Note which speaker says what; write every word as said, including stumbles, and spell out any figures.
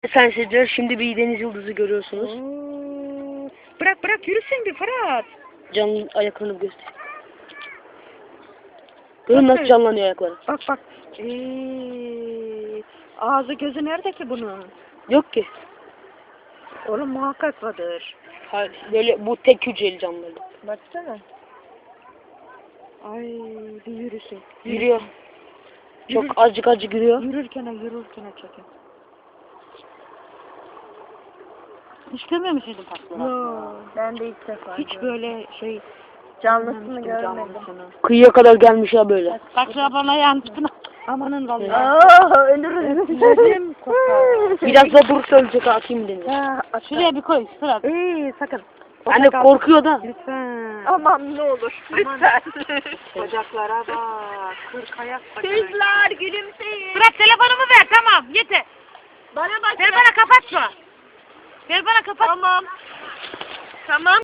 Speaker 1: Sayın seyirciler, şimdi bir deniz yıldızı görüyorsunuz.
Speaker 2: Oo, bırak bırak yürüsün bir Fırat.
Speaker 1: Canlı ayaklarını göster. Görün nasıl canlanıyor ayakları.
Speaker 2: Bak bak. Ee, ağzı gözü nerede ki bunun?
Speaker 1: Yok ki.
Speaker 2: Oğlum muhakkak vardır.
Speaker 1: Hayır, böyle bu tek hücreli canlılar.
Speaker 2: Baksana. Ay bir yürüsün.
Speaker 1: Yürüyor. Çok
Speaker 2: Yürür-
Speaker 1: azıcık azıcık yürüyor.
Speaker 2: Yürürken yürürken çekin.
Speaker 3: Hiç görmemiş miydim patlağı?
Speaker 2: Yo,
Speaker 3: Ben de ilk defa
Speaker 2: hiç
Speaker 3: gördüm.
Speaker 2: böyle şey
Speaker 3: Canlısını görmedim.
Speaker 2: canlısını.
Speaker 1: Kıyıya kadar gelmiş ya böyle.
Speaker 3: Bak şu bana yansıtın.
Speaker 2: Amanın vallahi.
Speaker 3: Aa ölürüz.
Speaker 2: Gözüm kopar.
Speaker 1: Biraz da durursa ölecek, atayım denize.
Speaker 2: Ha,
Speaker 3: Şuraya bir koy Fırat.
Speaker 2: İyi sakın.
Speaker 1: Anne korkuyor da.
Speaker 2: Lütfen.
Speaker 3: Aman ne olur. Lütfen.
Speaker 2: Bacaklara bak. Kırk ayak bacak.
Speaker 3: Kızlar gülümseyin. Fırat telefonumu ver tamam yeter. Bana bak. Ver bana kapat şu. Ver bana kapat. Tamam. Tamam.